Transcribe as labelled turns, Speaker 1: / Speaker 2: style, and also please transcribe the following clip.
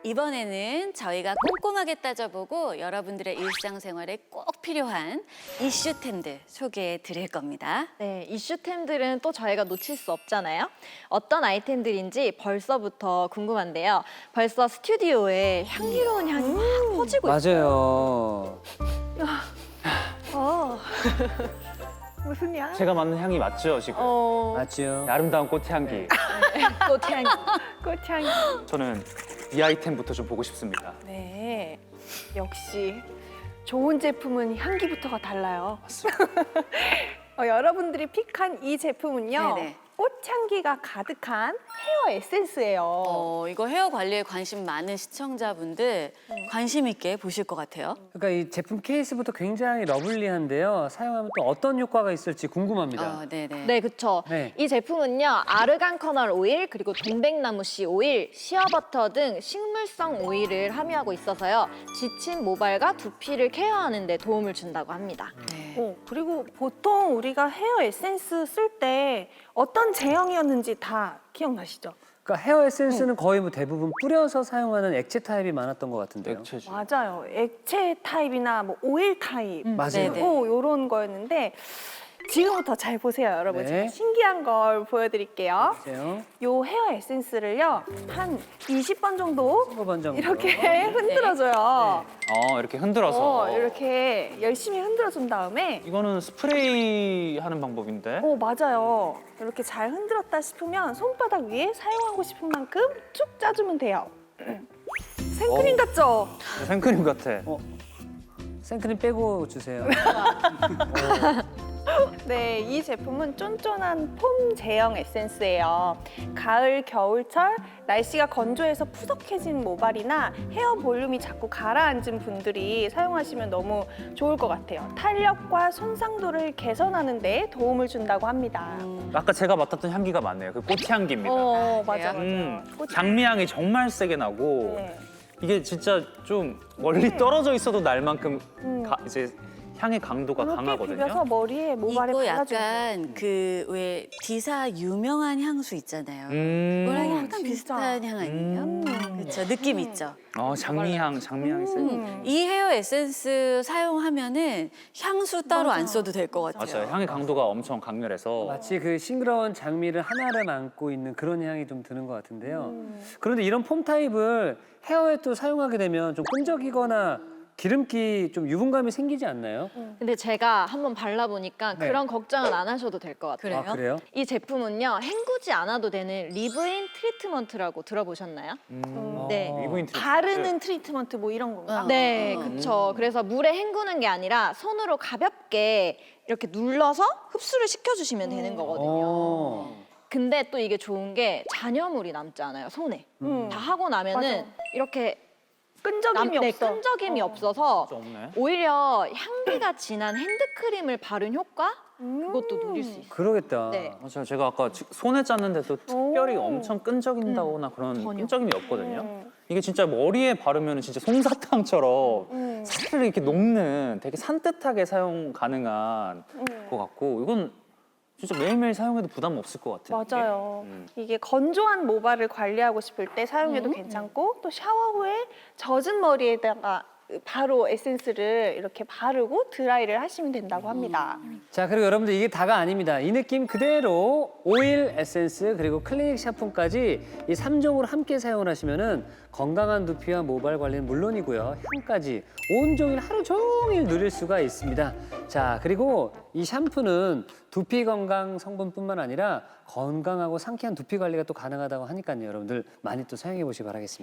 Speaker 1: 이번에는 저희가 꼼꼼하게 따져보고 여러분들의 일상생활에 꼭 필요한 이슈템들 소개해 드릴 겁니다.
Speaker 2: 네, 이슈템들은 또 저희가 놓칠 수 없잖아요. 어떤 아이템들인지 벌써부터 궁금한데요. 벌써 스튜디오에 향기로운 향이 막 퍼지고 있어요.
Speaker 3: 맞아요. 무슨 향?
Speaker 4: 제가 맡는 향이 맞죠, 지금?
Speaker 5: 맞죠.
Speaker 4: 아름다운 꽃향기.
Speaker 2: 꽃향.
Speaker 3: 꽃향.
Speaker 4: 저는 이 아이템부터 좀 보고 싶습니다.
Speaker 3: 네, 역시 좋은 제품은 향기부터가 달라요. 여러분들이 픽한 이 제품은요.
Speaker 1: 네네.
Speaker 3: 꽃향기가 가득한 헤어 에센스예요.
Speaker 1: 이거 헤어 관리에 관심 많은 시청자분들 관심 있게 보실 것 같아요.
Speaker 5: 그러니까 이 제품 케이스부터 굉장히 러블리한데요. 사용하면 또 어떤 효과가 있을지 궁금합니다.
Speaker 1: 네네.
Speaker 2: 네, 그쵸.
Speaker 5: 네.
Speaker 2: 이 제품은요, 아르간 커널 오일, 그리고 동백나무 씨 오일, 시어버터 등 식물성 오일을 함유하고 있어서요, 지친 모발과 두피를 케어하는 데 도움을 준다고 합니다.
Speaker 1: 네.
Speaker 3: 그리고 보통 우리가 헤어 에센스 쓸 때 어떤 제형이었는지 다 기억나시죠?
Speaker 5: 그러니까 헤어 에센스는 거의 뭐 대부분 뿌려서 사용하는 액체 타입이 많았던 것 같은데요.
Speaker 4: 액체지.
Speaker 3: 맞아요. 액체 타입이나 뭐 오일 타입
Speaker 5: 맞아요.
Speaker 1: 네네.
Speaker 3: 이런 거였는데 지금부터 잘 보세요, 여러분.
Speaker 5: 네.
Speaker 3: 제가 신기한 걸 보여드릴게요.
Speaker 5: 보세요.
Speaker 3: 요 헤어 에센스를요 한 20번 정도
Speaker 5: 15번 정도.
Speaker 3: 이렇게 흔들어줘요.
Speaker 4: 이렇게 흔들어서.
Speaker 3: 이렇게 열심히 흔들어준 다음에
Speaker 4: 이거는 스프레이 하는 방법인데?
Speaker 3: 맞아요. 이렇게 잘 흔들었다 싶으면 손바닥 위에 사용하고 싶은 만큼 쭉 짜주면 돼요. 생크림 같죠?
Speaker 4: 생크림 같아.
Speaker 5: 생크림 빼고 주세요.
Speaker 3: 네, 이 제품은 쫀쫀한 폼 제형 에센스예요. 가을, 겨울철 날씨가 건조해서 푸석해진 모발이나 헤어 볼륨이 자꾸 가라앉은 분들이 사용하시면 너무 좋을 것 같아요. 탄력과 손상도를 개선하는 데 도움을 준다고 합니다.
Speaker 4: 아까 제가 맡았던 향기가 맞네요. 그 꽃향기입니다.
Speaker 3: 맞아.
Speaker 4: 장미향이 정말 세게 나고
Speaker 3: 네.
Speaker 4: 이게 진짜 좀 멀리 떨어져 있어도 날 만큼 이제 향의 강도가
Speaker 3: 이렇게
Speaker 4: 강하거든요.
Speaker 3: 비벼서 머리에 모발에
Speaker 1: 이거
Speaker 3: 발라주면
Speaker 1: 약간 그 왜 디사 유명한 향수 있잖아요. 그거랑 약간
Speaker 3: 진짜.
Speaker 1: 비슷한 향 아니에요? 그렇죠. 느낌 있죠.
Speaker 4: 장미향이 세요.
Speaker 1: 이 헤어 에센스 사용하면은 향수 따로 안 써도 될 것 같아요.
Speaker 4: 맞아요. 향의 강도가 엄청 강렬해서
Speaker 5: 마치 그 싱그러운 장미를 하나를 안고 있는 그런 향이 좀 드는 것 같은데요. 그런데 이런 폼 타입을 헤어에 또 사용하게 되면 좀 끈적이거나 기름기 좀 유분감이 생기지 않나요?
Speaker 2: 근데 제가 한번 발라보니까
Speaker 5: 네.
Speaker 2: 그런 걱정은 안 하셔도 될 것 같아요.
Speaker 1: 그래요?
Speaker 5: 아, 그래요?
Speaker 2: 이 제품은요, 헹구지 않아도 되는 리브인 트리트먼트라고 들어보셨나요? 네.
Speaker 4: 미국인 트리트먼트.
Speaker 3: 바르는 트리트먼트 뭐 이런 건가?
Speaker 2: 네, 그쵸. 그래서 물에 헹구는 게 아니라 손으로 가볍게 이렇게 눌러서 흡수를 시켜주시면 되는 거거든요. 근데 또 이게 좋은 게 잔여물이 남지 않아요, 손에. 다 하고 나면은
Speaker 3: 맞아.
Speaker 2: 이렇게
Speaker 3: 끈적임이 없어.
Speaker 2: 끈적임이 없어서
Speaker 4: 없네.
Speaker 2: 오히려 향기가 진한 핸드크림을 바른 효과? 그것도 누릴 수 있어요.
Speaker 5: 그러겠다.
Speaker 2: 네.
Speaker 4: 맞아요. 제가 아까 손에 짰는데도 특별히 엄청 끈적인다거나 그런
Speaker 2: 전혀.
Speaker 4: 끈적임이 없거든요. 이게 진짜 머리에 바르면 진짜 솜사탕처럼 살을 이렇게 녹는 되게 산뜻하게 사용 가능한 것 같고 이건 진짜 매일매일 사용해도 부담 없을 것 같아요.
Speaker 3: 맞아요. 이게 건조한 모발을 관리하고 싶을 때 사용해도 괜찮고 또 샤워 후에 젖은 머리에다가 바로 에센스를 이렇게 바르고 드라이를 하시면 된다고 합니다.
Speaker 5: 자, 그리고 여러분들 이게 다가 아닙니다. 이 느낌 그대로 오일, 에센스, 그리고 클리닉 샤프까지 이 3종으로 함께 사용을 하시면은 건강한 두피와 모발 관리는 물론이고요. 향까지 온종일 하루 종일 누릴 수가 있습니다. 자, 그리고 이 샴푸는 두피 건강 성분뿐만 아니라 건강하고 상쾌한 두피 관리가 또 가능하다고 하니까요. 여러분들 많이 또 사용해 보시기 바라겠습니다.